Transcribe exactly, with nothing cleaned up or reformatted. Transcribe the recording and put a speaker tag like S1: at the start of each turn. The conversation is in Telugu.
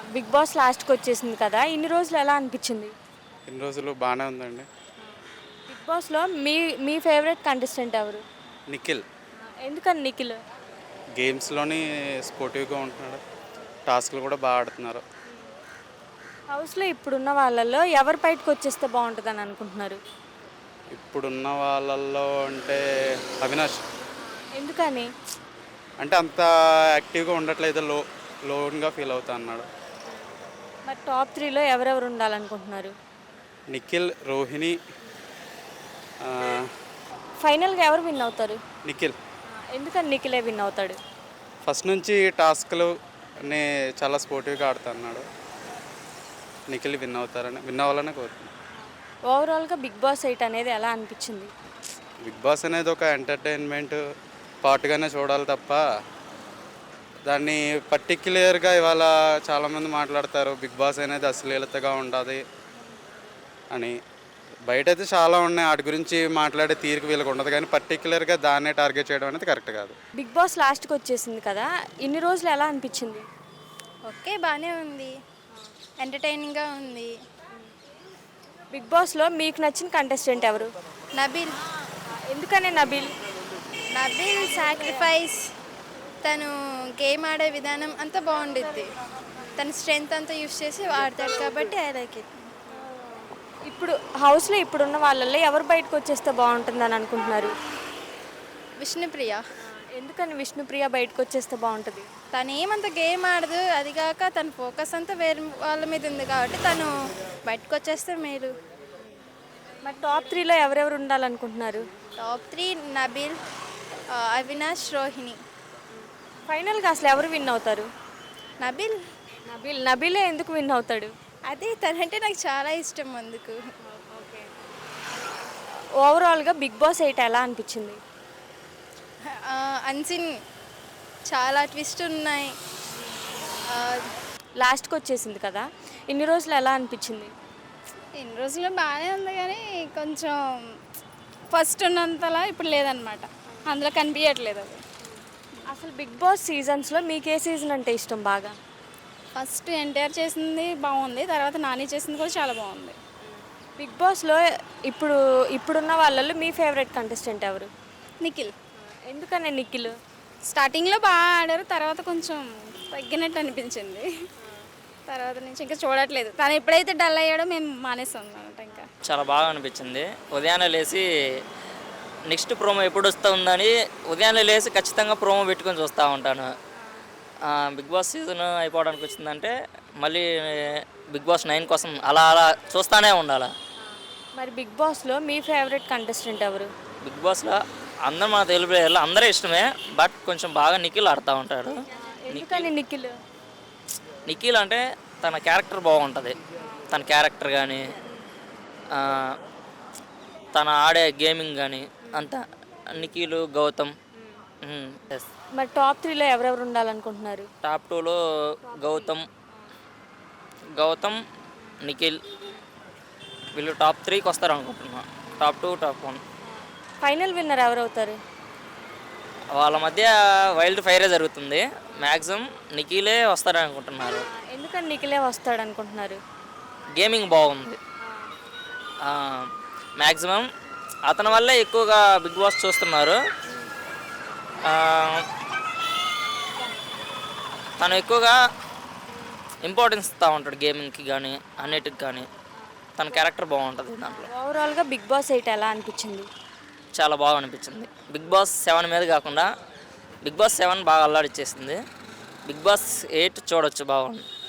S1: బిగ్ బాస్ లాస్ట్కి వచ్చేసింది కదా, ఇన్ని రోజులు ఎలా అనిపించింది?
S2: ఇన్ని రోజులు బాగానే ఉందండి.
S1: బిగ్ బాస్లో మీ మీ ఫేవరెట్ కంటెస్టెంట్ ఎవరు?
S2: నిఖిల్
S1: ఎందుకని నిఖిల్?
S2: గేమ్స్లోని స్పోర్టివ్గా ఉంటున్నాడు. టాస్క్లు కూడా బాగా ఆడుతున్నారు.
S1: హౌస్లో ఇప్పుడున్న వాళ్ళల్లో ఎవరు బయటకు వచ్చేస్తే బాగుంటుందని అనుకుంటున్నారు?
S2: ఇప్పుడున్న వాళ్ళల్లో అంటే అవినాష్.
S1: ఎందుకని?
S2: అంటే అంత యాక్టివ్గా ఉండట్లేదు, లో లోన్గా ఫీల్ అవుతా అన్నాడు.
S1: మరి టాప్ త్రీలో ఎవరెవరు ఉండాలనుకుంటున్నారు?
S2: నిఖిల్, రోహిణి, ఆ,
S1: ఫైనల్గా ఎవరు విన్ అవుతారు?
S2: నిఖిల్.
S1: ఎందుకని నిఖిలే విన్ అవుతాడు?
S2: ఫస్ట్ నుంచి టాస్క్లు అన్నీ చాలా స్పోర్టివ్గా ఆడుతా అన్నాడు. నిఖిల్ విన్ అవుతారని విన్ అవ్వాలని కోరుతున్నాను.
S1: ఓవరాల్గా బిగ్ బాస్ ఎయిట్ అనేది ఎలా అనిపించింది?
S2: బిగ్ బాస్ అనేది ఒక ఎంటర్టైన్మెంట్ పార్ట్గానే చూడాలి తప్ప దాన్ని పర్టిక్యులర్గా ఇవాళ చాలామంది మాట్లాడతారు బిగ్ బాస్ అనేది అశ్లీలతగా ఉంటుంది అని. బయట అయితే చాలా ఉన్నాయి, వాటి గురించి మాట్లాడే తీరిక వీళ్ళకి ఉండదు, కానీ పర్టిక్యులర్గా దాన్నే టార్గెట్ చేయడం అనేది కరెక్ట్ కాదు.
S1: బిగ్ బాస్ లాస్ట్కి వచ్చేసింది కదా, ఇన్ని రోజులు ఎలా అనిపించింది?
S3: ఓకే, బాగానే ఉంది, ఎంటర్టైనింగ్గా ఉంది.
S1: బిగ్ బాస్లో మీకు నచ్చిన కంటెస్టెంట్ ఎవరు?
S3: నబీల్
S1: ఎందుకని నబీల్?
S3: నబీల్ సాక్రిఫైస్, తను గేమ్ ఆడే విధానం అంతా బాగుండిద్ది. తన స్ట్రెంగ్త్ అంతా యూస్ చేసి ఆడతాడు కాబట్టి ఐ లైక్ ఇట్.
S1: ఇప్పుడు హౌస్లో ఇప్పుడున్న వాళ్ళల్లో ఎవరు బయటకు వచ్చేస్తే బాగుంటుందని అనుకుంటున్నారు?
S3: విష్ణుప్రియ,
S1: ఎందుకని విష్ణుప్రియ బయటకు వచ్చేస్తే బాగుంటుంది?
S3: తను ఏమంత గేమ్ ఆడదు, అది కాక తన ఫోకస్ అంతా వేరే వాళ్ళ మీద ఉంది కాబట్టి తను బయటకు వచ్చేస్తే మేలు.
S1: మరి టాప్ త్రీలో ఎవరెవరు ఉండాలనుకుంటున్నారు?
S3: టాప్ త్రీ నబీల్, ఆ, అవినాష్, రోహిణి.
S1: ఫైనల్గా అసలు ఎవరు విన్ అవుతారు?
S3: నబీల్,
S1: నబీల్. నబీలే ఎందుకు విన్ అవుతాడు?
S3: అదే తనంటే నాకు చాలా ఇష్టం అందుకు.
S1: ఓవరాల్గా బిగ్ బాస్ ఎయిట్ ఎలా అనిపించింది?
S3: అన్సిన్ చాలా ట్విస్ట్ ఉన్నాయి. ఆ,
S1: లాస్ట్కి వచ్చేసింది కదా, ఇన్ని రోజులు ఎలా అనిపించింది?
S4: ఇన్ని రోజులు బాగానే ఉంది కానీ కొంచెం ఫస్ట్ ఉన్నంతలా ఇప్పుడు లేదనమాట, అందులో కనిపించట్లేదు అది.
S1: అసలు బిగ్ బాస్ సీజన్స్లో మీకు ఏ సీజన్ అంటే ఇష్టం బాగా?
S4: ఫస్ట్ ఎన్టీఆర్ చేసింది బాగుంది, తర్వాత నాని చేసింది కూడా చాలా బాగుంది.
S1: బిగ్ బాస్లో ఇప్పుడు ఇప్పుడున్న వాళ్ళల్లో మీ ఫేవరెట్ కంటెస్టెంట్ ఎవరు?
S4: నిఖిల్.
S1: ఎందుకని నిఖిల్?
S4: స్టార్టింగ్లో బాగా ఆడారు, తర్వాత కొంచెం తగ్గినట్టు అనిపించింది. తర్వాత నుంచి ఇంకా చూడట్లేదు, తను ఎప్పుడైతే డల్ అయ్యాడో మేము మానేస్తాం అనమాట. ఇంకా
S5: చాలా బాగా అనిపించింది. ఉదయాన్నే లేచి నెక్స్ట్ ప్రోమో ఎప్పుడు వస్తుందని ఉదయాన్నే లేచి ఖచ్చితంగా ప్రోమో పెట్టుకొని చూస్తూ ఉంటాను. బిగ్ బాస్ సీజన్ అయిపోవడానికి వచ్చిందంటే మళ్ళీ బిగ్ బాస్ నైన్ కోసం అలా అలా చూస్తూనే ఉండాలి.
S1: మరి బిగ్ బాస్లో మీ ఫేవరెట్ కంటెస్టెంట్ ఎవరు?
S5: బిగ్ బాస్లో అందరూ మన తెలుగు ప్లేయర్లు అందరూ ఇష్టమే, బట్ కొంచెం బాగా నిఖిల్ ఆడుతూ ఉంటాడు.
S1: ఎందుకని నిఖిల్?
S5: నిఖిల్ అంటే తన క్యారెక్టర్ బాగుంటుంది, తన క్యారెక్టర్ కానీ తన ఆడే గేమింగ్ కానీ అంతా. నిఖిల్, గౌతమ్. ఎస్.
S1: మరి టాప్ త్రీలో ఎవరెవరు ఉండాలనుకుంటున్నారు?
S5: టాప్ టూలో గౌతమ్ గౌతమ్ నిఖిల్ వీళ్ళు టాప్ త్రీకి వస్తారు అనుకుంటున్నా. Top two, top one.
S1: Final winner ఎవరు అవుతారు?
S5: వాళ్ళ మధ్య వైల్డ్ ఫైరే జరుగుతుంది. మ్యాక్సిమం నిఖిలే వస్తారని అనుకుంటున్నారు.
S1: ఎందుకని నిఖిలే వస్తాడు అనుకుంటున్నారు?
S5: గేమింగ్ బాగుంది. మ్యాక్సిమం అతని వల్లే ఎక్కువగా బిగ్ బాస్ చూస్తున్నారు. తను ఎక్కువగా ఇంపార్టెన్స్ ఇస్తూ ఉంటాడు గేమింగ్కి కానీ అన్నిటికి కానీ. తన క్యారెక్టర్ బాగుంటుంది దాంట్లో.
S1: ఓవరాల్గా బిగ్ బాస్ ఎయిట్ ఎలా అనిపించింది?
S5: చాలా బాగా అనిపించింది. బిగ్ బాస్ సెవెన్ మీద కాకుండా బిగ్ బాస్ సెవెన్ బాగా అల్లాడిచ్చేసింది. బిగ్ బాస్ ఎయిట్ చూడొచ్చు, బాగుంది.